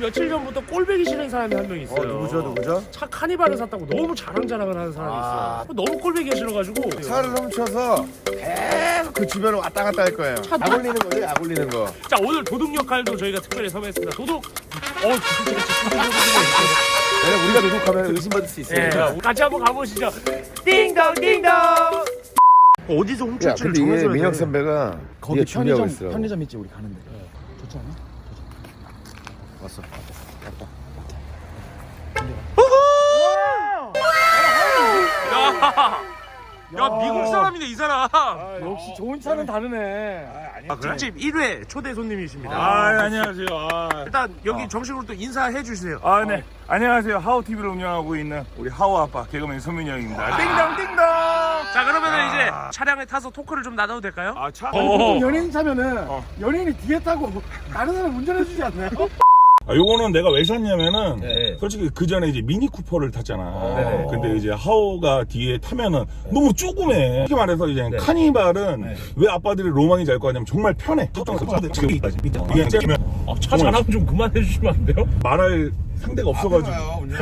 며칠 전부터 꼴배기 싫은 사람이 한 명 있어요. 누구죠? 차 카니발을 샀다고 너무 자랑자랑을 하는 사람이 있어요. 너무 꼴배기가 싫어가지고 차를 훔쳐서 계속 그 주변을 왔다 갔다 할 거예요. 약 올리는 거죠, 약 올리는 거. 자, 오늘 도둑 역할도 저희가 특별히 섭외했습니다. 도둑. 왜냐면 우리가 도둑하면 의심받을 수 있어요. 네, 같이 한번 가보시죠. 띵동 띵동. 어디서 야, 훔칠지를 근데 이게 정해줘야 돼. 민혁 선배가 거기 준비하고 있어. 편의점 있지 우리 가는데. 좋지 않아? 왔어. 야, 미국 사람이네 이 사람. 역시 좋은 차는 다르네. 특집 1회 초대 손님이십니다. 안녕하세요. 일단 여기 정식으로 또 인사해 주세요. 네. 안녕하세요. 하우 TV를 운영하고 있는 우리 하우 아빠 개그맨 서민이 형입니다. 띵동띵동. 자, 그러면은 이제 차량에 타서 토크를 좀 나눠도 될까요? 차. 보통 연예인 차면은 연예인이 뒤에 타고 다른 사람 운전해주지 않나요? 요거는 내가 왜 샀냐면은 네. 솔직히 그 전에 이제 미니 쿠퍼를 탔잖아. 네. 근데 이제 하우가 뒤에 타면은 너무 조그매. 솔직히 말해서 이제 카니발은 왜 아빠들이 로망이 잘 거냐면 정말 편해. 이게 차 자랑 좀 그만해 주시면 안 돼요? 말할 상대가 없어가지고.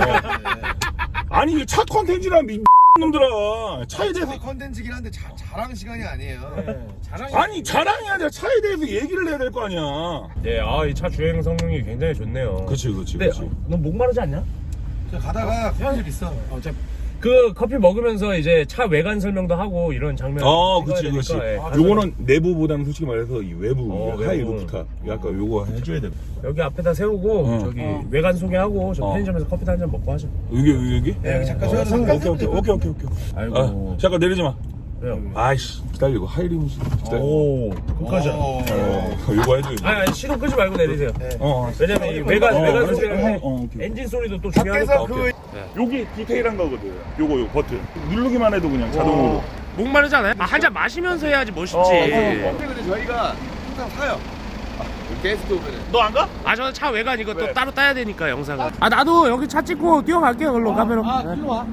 아니 차 컨텐츠란 놈들아 차에 대해서 컨텐츠긴 한데 자랑 시간이 아니에요. 아니 자랑이 아니라 차에 대해서 얘기를 해야 될 거 아니야. 네, 이 차 주행 성능이 굉장히 좋네요. 그렇지. 근데 너 목마르지 않냐? 가다가 편집 있어. 그 커피 먹으면서 이제 차 외관 설명도 하고 이런 장면. 그렇지. 요거는 내부보다는 솔직히 말해서 이 외부 하이 루프탑. 약간 요거 해줘야 돼. 여기 앞에다 세우고 저기 외관 소개하고 저 편의점에서 커피 한 잔 먹고 하죠. 여기? 네, 여기 잠깐 세워서 오케이. 아이고. 잠깐 내리지 마. 왜요? 아이씨 기다리고 하이리무스 기다려. 끝까지. 요거 해줘. 아니 시동 끄지 말고 내리세요. 어. 왜냐면 이 외관 그래서- 소개를 오케이. 엔진 소리도 또 중요하니까. 밖에서 여기 디테일한 거거든. 요거 버튼 누르기만 해도 그냥 자동으로. 목마르지 않아요? 한 잔 마시면서 해야지 멋있지. 근데 저희가 항상 사요. 게스트 오면은. 너 안 가? 저는 차 외관 이거 또 따로 따야 되니까 영상을. 나도 여기 차 찍고 뛰어갈게요. 걸로 카메라. 일로 와.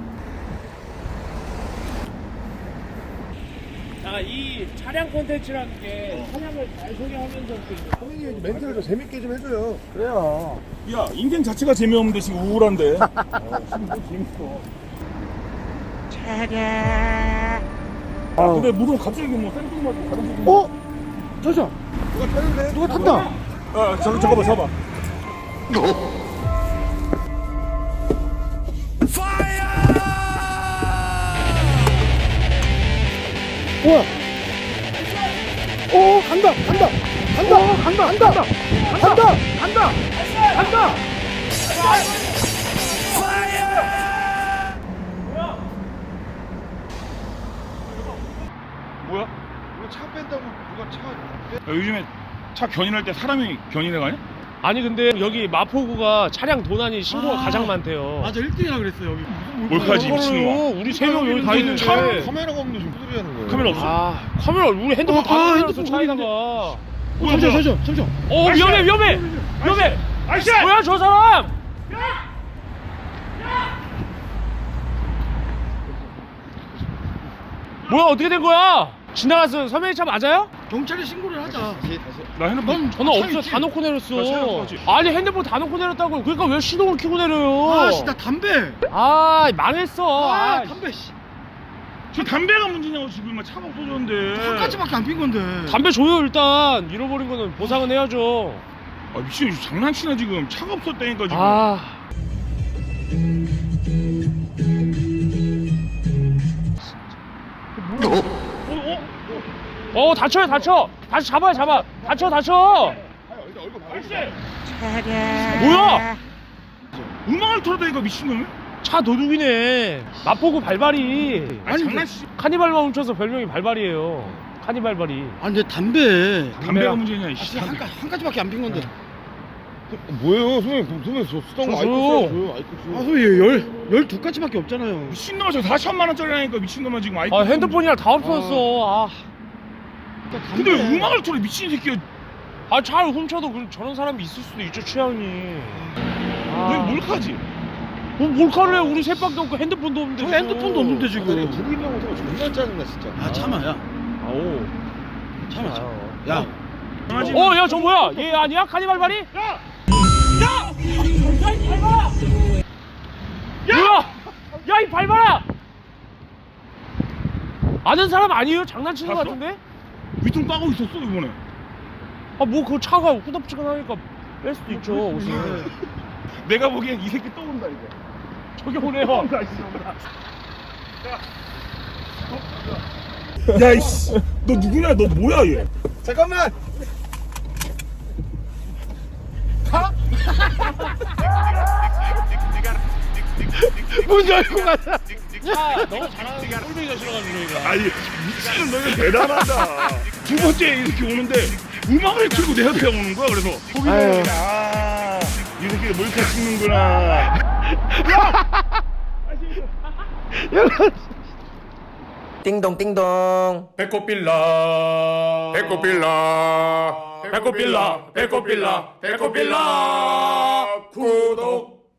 이 차량 콘텐츠라는 게 차량을 잘 소개하면서 선생님이 멘트를 좀 재밌게 좀 해줘요. 그래요. 야 인생 자체가 재미없는데 지금 우울한데. 지금 뭐 재밌어. 근데 무슨 갑자기 뭐 생뚱맞고 다른 거. 잠시만. 누가 타는데? 누가 탔다. 잠깐만 서봐. 우와. 오 간다. 뭐야? 우리 차 뺀다고 누가 차 빼? 요즘에 차 견인할 때 사람이 견인해 가냐? 아니 근데 여기 마포구가 차량 도난이 신고가 가장 많대요. 맞아 1등이라 그랬어 여기. 몰카지 미친놈아. 우리 3명 여기 다 있는데. 카메라가 없는데 지금 소리 하는 거예요. 카메라 없어? 카메라 우리 핸드폰 다 핸드폰 차에다가. 잠시만. 위험해. 아이씨! 뭐야 저 사람? 뭐야 어떻게 된 거야? 지나갔어. 선배님 차 맞아요? 경찰에 신고를 하자. 나 핸드폰 전화 없어. 다 놓고 내렸어. 나 차에 놓고 왔지. 아니 핸드폰 다 놓고 내렸다고. 그러니까 왜 시동을 켜고 내려요? 아씨 나 담배. 망했어. 담배 씨. 저 담배가 문제냐고 지금 막 차가 없어졌는데. 한 가지밖에 안 핀 건데. 담배 줘요 일단. 잃어버린 거는 보상은 해야죠. 아 미친 장난치나 지금 차가 없었다니까 지금. 다쳐. 다시 잡아. 다쳐. 뭐야? 음악을 틀어대니까 미친놈이? 차 도둑이네. 마포구 발발이. 아니 장난치. 카니발만 훔쳐서 별명이 발발이에요. 카니발발이. 아니 근데 담배. 담배가 문제냐 이씨. 한 가지밖에 안 핀 건데. 뭐예요? 선생님 저 쓰던 거 저 아이콘 줘요. 아 선생님 12가지밖에 없잖아요. 미친놈아 저 4천만 원짜리라니까 미친놈아 지금 아이폰. 핸드폰이랑 다 없어졌어. 근데 왜 음악을 틀어 미친 새끼야. 차를 훔쳐도 저런 사람이 있을 수도 있죠 취향이. 너 몰카지? 몰카를 해. 우리 셋밖에 없고 핸드폰도 없는데. 저 핸드폰도 없는데 지금. 부기병 타고 존나 짜증나 진짜. 아 참아야. 아오. 참아. 야. 야 저 뭐야? 얘 아니야? 카니발발이? 야, 이 밟아라! 아는 사람 아니에요? 장난치는 거 같은데? 위통 따고 있었어 이번에. 아, 뭐 그 차가 후덥지근하니까 뺄 수도 있죠, 옷을. 내가 보기엔 이 새끼 또 온다 이거. 저기 오네요. 야 이씨, 너 누구냐? 너 뭐야 얘? 잠깐만. 문 열고 가자. 야, 너무 잘하는 꼴뱅이가 싫어가지고 저희가. 아니 미치는 너는 대단하다. 두 번째 이렇게 오는데 음악을 틀고 내 옆에 오는 거야. 그래서 아유. 이 새끼 몰카 찍는구나. 띵동. 배꼽빌라. 배꼽빌라. 배꼽빌라. 배꼽빌라. 배꼽빌라.